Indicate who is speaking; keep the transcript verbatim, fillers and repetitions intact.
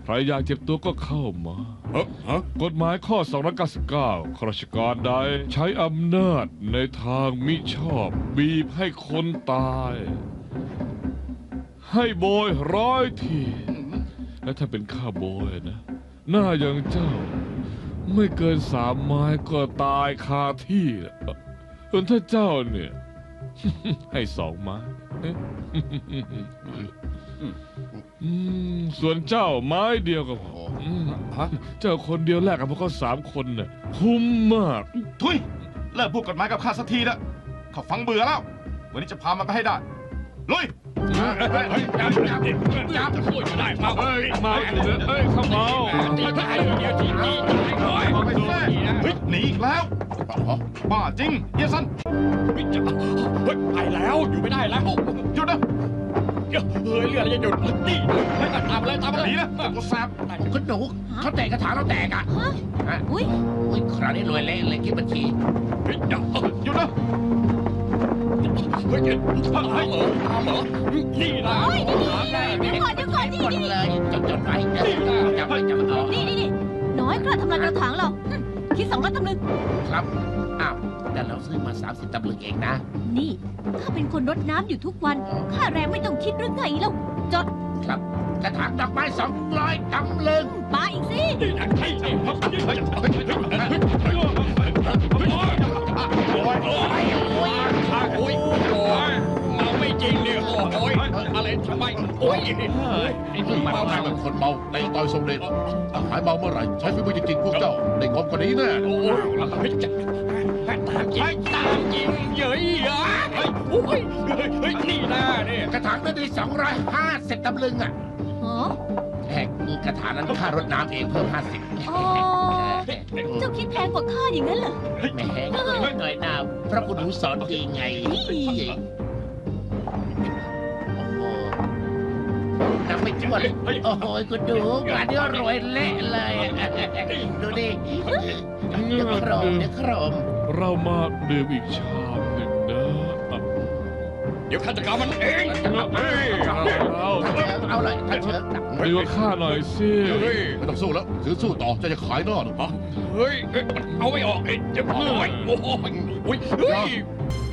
Speaker 1: รอยากเจ็บตัวก็เข้ามา
Speaker 2: เฮ้ฮะ
Speaker 1: กฎหมายข้อสองร้อยเก้าสิบเก้าข้าราชการใดใช้อำนาจในทางมิชอบ บีบให้คนตาย ให้โบยร้อยที และถ้าเป็นข้าโบยนะ หน้าอย่างเจ้า ไม่เกินสามไม้ก็ตายคาที่ส่วนถ้าเจ้าเนี่ย ให้สองไม้อืมส่วนเจ้าไม้เดียวก็พออืม
Speaker 2: ฮะ
Speaker 1: เจ้าคนเดียวแลกกับพวกเขาสามคนน่ะคุ้มมาก
Speaker 3: ทุยเลิกพูดกฎหมายกับข้าสักทีนะข้าฟังเบื่อแล้ว วันนี้จะพามันไปให้ได้ลุย
Speaker 2: เฮ้ยจับจับจับช่วยอยู่ได้เมา
Speaker 1: เอ้ยเมาอีกแล้วเอ้ยเขาเมา
Speaker 2: ตีตายเดียวทีนี้ตายก่อน
Speaker 3: มาไปแท้เฮ้ยหนีอีกแล้วบ้าจริงเฮียสัน
Speaker 2: เฮ้ยจะเฮ้ยไปแล้วอยู่ไม่ได้แล้ว
Speaker 3: หยุดนะ
Speaker 2: เฮ้ยเรืออะไรจะหยุดนี่เฮ้ยตามเลยตาม
Speaker 3: ห
Speaker 2: เลย
Speaker 3: นีนะตัวแสบ
Speaker 4: คุณหนูเขาแตกกระถางเราแตกอ่ะ
Speaker 5: ฮะ
Speaker 4: ฮะ
Speaker 5: อุ้ย
Speaker 4: อุ้ยคราวนี้รวยเละเลยคิดบัญชี
Speaker 2: เฮ้ยเดี๋ยว
Speaker 3: หยุดนะ
Speaker 2: เฮ้ยตามเหรอตามเหรอนี่นะ
Speaker 5: โอ้ยนี่นี่เดี๋ยวก่อนเดี๋ยวก่อนนี่
Speaker 4: หมด
Speaker 5: นี่
Speaker 4: เลยจดจดไว้จับไว้จับไว้เอา
Speaker 5: นี่นี่นี่น้อยกล้าทำลายกระถางเราหึคิดสองร้อยตำลึง
Speaker 4: ครับอ้าวแต่เราซื้อมาสามสิบตำลึงเองนะ
Speaker 5: นี่ข้าเป็นคนรดน้ำอยู่ทุกวันค่าแรงไม่ต้องคิดหรือไงเล่าจด
Speaker 4: ครับกระถางดอกไม้สองร้อยตำลึง
Speaker 5: ปาอีกสิ
Speaker 2: นี่นะใช่ใช่ครับเฮ้ยเฮ้ยเฮ้ยเฮ้ยเฮ้ยโอ้ยโอ้ยโอ้ยโอ้ยโอ้ยเมาไม่จริงเนี่ยโอ้ยอะไรทำไมโอ้ยไอ้นี่
Speaker 6: มา
Speaker 2: เมา
Speaker 6: ทางเป็นคนเมาในต่อยทรงเดชหายเมาเมื่อไหร่ใช้ฝีมือจริงๆพวกเจ้าได้งบกว่านี้แน่
Speaker 2: โอ้ยเฮ้ยจะตามจริงตามจริงเย้ยเฮ้ยโอ้ยเฮ้ยนี่นะเนี่ย
Speaker 4: กระถางนั้นได้สองร้อยห้าสิบตำลึงอ่ะ
Speaker 5: อ๋อ
Speaker 4: แหกกระถางนั้นค่ารดน้ำเองเพิ่มห้าสิบ
Speaker 5: อ๋อเจ้าคิดแพงกว่าข้าอย่างนั้นเหรอ
Speaker 4: แหมหน่อยน้ำพระคุณหนูสอนดีไง
Speaker 5: นี่
Speaker 4: โอ้โหนับไม่ถ้วนโอ้โหคุณดูงานนี้รวยเละเลยดูดิเดี๋ยวโครมเดี๋ยวโครม
Speaker 1: เรามาดื่มอีกชามหนึ่งนะอ่ะ
Speaker 2: เดี๋ยวข้าจัดการมันเอง
Speaker 1: เอ้ยเรา
Speaker 4: ถ้าเชิงเอาเลยถ้าเชิง
Speaker 1: ดีกว่าข้าหน่อยสิ
Speaker 2: เฮ้ย
Speaker 6: ไม่ต้องสู้แล้วถือสู้ต่อเจะจะขายหน้าหรือเปล่า
Speaker 2: เฮ้ยมันเอาไม่ออกเอ้ยจะโอ้ยโอ้ยโอ้ยเฮ้ย